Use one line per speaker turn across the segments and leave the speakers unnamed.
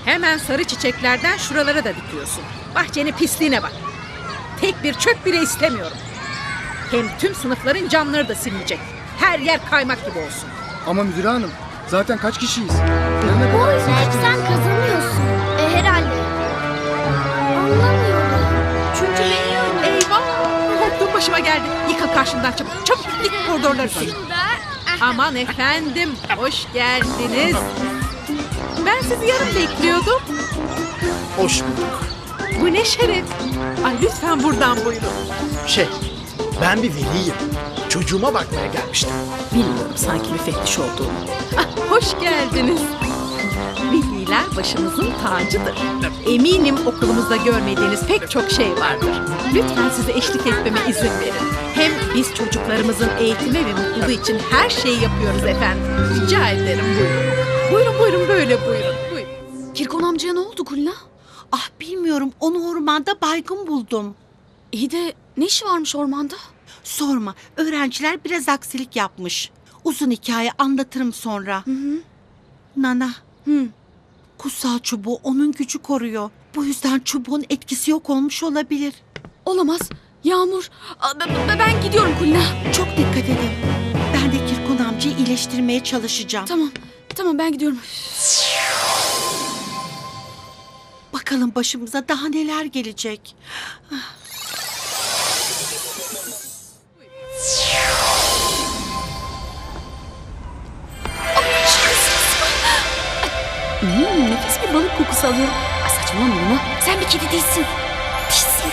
Hemen sarı çiçeklerden şuralara da dikiyorsun. Bahçenin pisliğine bak. Tek bir çöp bile istemiyorum. Hem tüm sınıfların camları da silinecek. Her yer kaymak gibi olsun.
Ama müdür hanım, zaten kaç kişiyiz?
Bu oyunu hep sen kazanıyorsun. Herhalde. Anlamıyorum. Çünkü biliyorum.
Eyvah! Korktuğum başıma geldi. Yıka karşımdan çabuk. Çabuk yık koridorları sil. Aman efendim, hoş geldiniz. Ben sizi yarın bekliyordum.
Hoş bulduk.
Bu ne şeref. Ay lütfen buradan buyurun.
Ben bir veliyim. Çocuğuma bakmaya gelmiştim.
Bilmiyorum sanki müfettiş olduğumu. Ah, hoş geldiniz. Veliler başımızın tacıdır. Eminim okulumuzda görmediğiniz pek çok şey vardır. Lütfen size eşlik etmeme izin verin. Hem biz çocuklarımızın eğitimi ve mutluluğu için her şeyi yapıyoruz efendim. Rica ederim buyurun. Buyurun buyurun böyle buyurun. Buyurun.
Kirkon amcaya ne oldu Kulina?
Ah bilmiyorum, onu ormanda baygın buldum.
İyi de ne işi varmış ormanda?
Sorma, öğrenciler biraz aksilik yapmış. Uzun hikaye, anlatırım sonra. Nana, kutsal çubuğu onun gücü koruyor. Bu yüzden çubuğun etkisi yok olmuş olabilir.
Olamaz. Yağmur. Ben gidiyorum Kulina.
Çok dikkat edin. Ben de Kirkon amcayı iyileştirmeye çalışacağım.
Tamam ben gidiyorum.
Bakalım başımıza daha neler gelecek.
Nefis bir balık kokusu alıyorum. Ay saçmalama Luna. Sen bir kedi değilsin. Değilsin.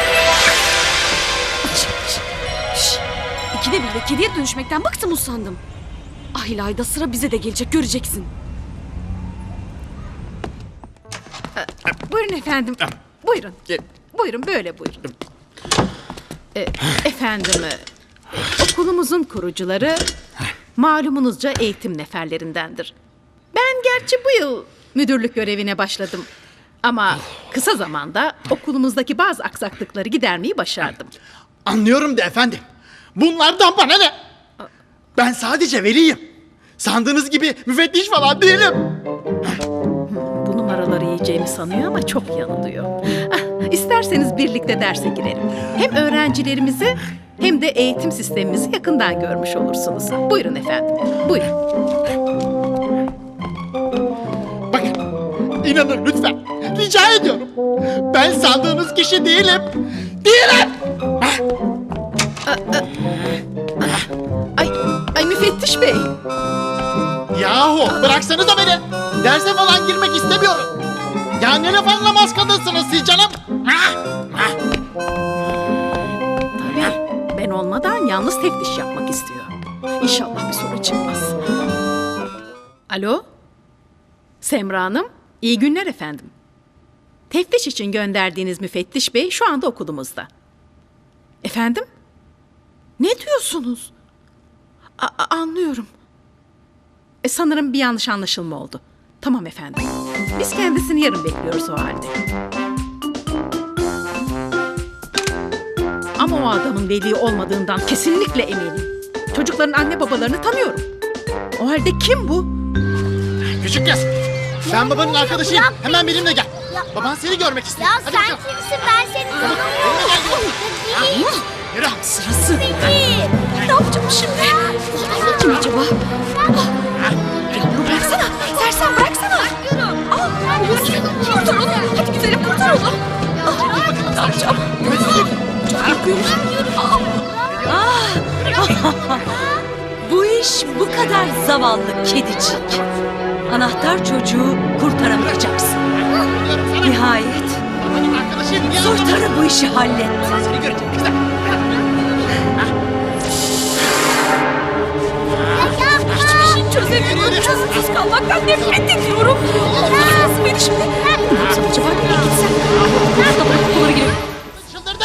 Şş. İkide bir de kediye dönüşmekten bıktım usandım. Ah İlayda, sıra bize de gelecek, göreceksin.
Buyurun efendim. Buyurun. Buyurun böyle buyurun. Efendim okulumuzun kurucuları malumunuzca eğitim neferlerindendir. Ben gerçi bu yıl müdürlük görevine başladım. Ama kısa zamanda okulumuzdaki bazı aksaklıkları gidermeyi başardım.
Anlıyorum da efendim. Bunlardan bana ne? Ben sadece veliyim. Sandığınız gibi müfettiş falan değilim.
Bu numaraları yiyeceğimi sanıyor ama çok yanılıyor. İsterseniz birlikte derse girelim. Hem öğrencilerimizi hem de eğitim sistemimizi yakından görmüş olursunuz. Buyurun efendim, buyurun.
Bakın, inanın lütfen. Rica ediyorum. Ben sandığınız kişi değilim. Değilim.
Ay müfettiş bey.
Yahu bıraksanıza beni. Derse falan girmek istemiyorum. Ya ne laf anlamaz kadınsınız siz canım.
Tabii ben olmadan yalnız teftiş yapmak istiyor. İnşallah bir sorun çıkmaz. Alo? Semra Hanım, iyi günler efendim. Teftiş için gönderdiğiniz müfettiş bey şu anda okulumuzda. Efendim? Ne diyorsunuz? Anlıyorum. Sanırım bir yanlış anlaşılma oldu. Tamam efendim. Biz kendisini yarın bekliyoruz o halde. Ama o adamın veli olmadığından kesinlikle eminim. Çocukların anne babalarını tanıyorum. O halde kim bu?
Küçük kız. Ben babanın arkadaşıyım. Hemen benimle gel. Baban seni görmek istiyor.
Ya
Hadi
sen
bakalım.
kimsin? Ben seni tanımıyorum.
Yürü.
Sırası.
Peki.
Ne yapacağım şimdi? Kim acaba? Yağmur bıraksana. Sersem bıraksana. Kurtar onu. Hadi güzelim kurtar onu. Ne yapacağım? Çok korkuyorum.
Bu iş bu kadar zavallı kedicik. Anahtar çocuğu kurtaramayacaksın. Nihayet
Babanın arkadaşıyım. Niye
soytarı bu işi halletti.
seni görecek kızım.
Hiçbir şey çözemiyorum. Çözümsüz kalmaktan nefret ediyorum. Nasıl beni şimdi? Ne yapsam acaba? Nereye gitsem? Burada bırak okullara girelim.
Çıldırdı.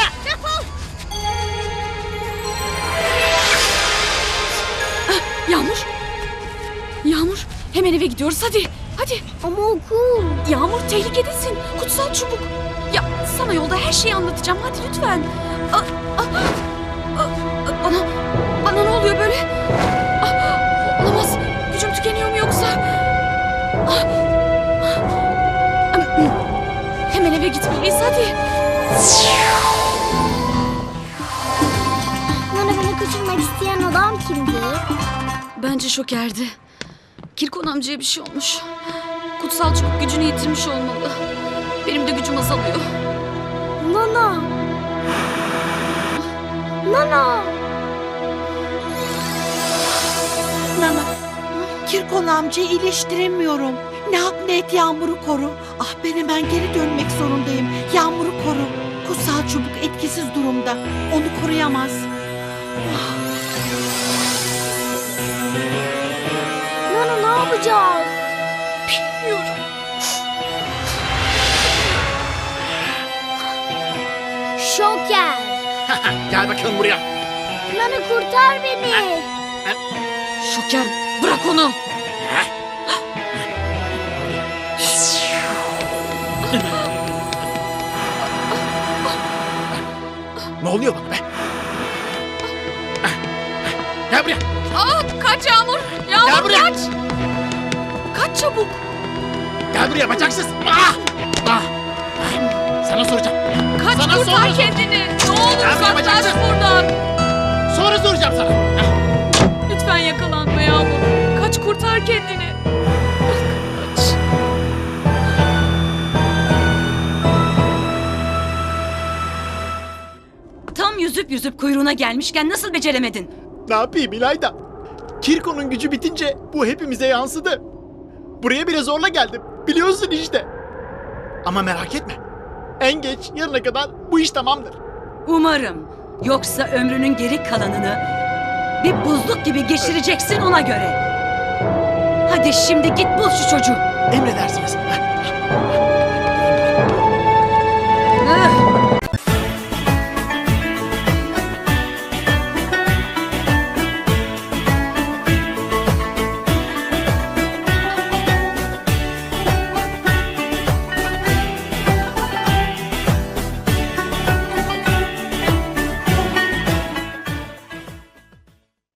Yağmur. Yağmur. Hemen eve gidiyoruz hadi. Hadi.
Ama okul.
Yağmur tehlikedesin. Kutsal çubuk. Ya sana yolda her şeyi anlatacağım. Hadi lütfen. Bana ne oluyor böyle? Olamaz. Gücüm tükeniyor mu yoksa? gitmeliyiz hadi.
Nana beni kaçırmak isteyen adam kimdi?
Bence Şoker'di. Kirkon amcaya bir şey olmuş. Kutsal çubuk gücünü yitirmiş olmalı. Benim de gücüm azalıyor.
Nana. Nana.
Nana, Kirkon amcayı iyileştiremiyorum. Ne yap ne et Yağmur'u koru. Ah ben hemen geri dönmek zorundayım. Yağmur'u koru. Kutsal çubuk etkisiz durumda. Onu koruyamaz.
Nana ne yapacağız?
Bilmiyorum.
Şoker.
Gel bakalım buraya.
Nana kurtar beni.
Şoker bırak onu.
Ne oluyor bana be? Gel buraya.
Kaç Yağmur.
Gel
Yağmur
buraya.
kaç. Kaç çabuk.
Gel buraya bacaksız. Sana soracağım.
Kaç
Sana
kurtar
sormadım.
kendini. Ne olur
Gel buraya,
uzaklaş
bacaksız.
buradan.
Sonra soracağım sana.
Lütfen yakalanma Yağmur. Kaç kurtar kendini. Kaç.
Tam yüzüp yüzüp kuyruğuna gelmişken nasıl beceremedin?
Ne yapayım İlayda? Kirko'nun gücü bitince bu hepimize yansıdı. Buraya bile zorla geldim. Biliyorsun işte. Ama merak etme. En geç yarına kadar bu iş tamamdır.
Umarım. Yoksa ömrünün geri kalanını bir buzluk gibi geçireceksin ona göre. Hadi şimdi git bul şu çocuğu.
Emredersiniz.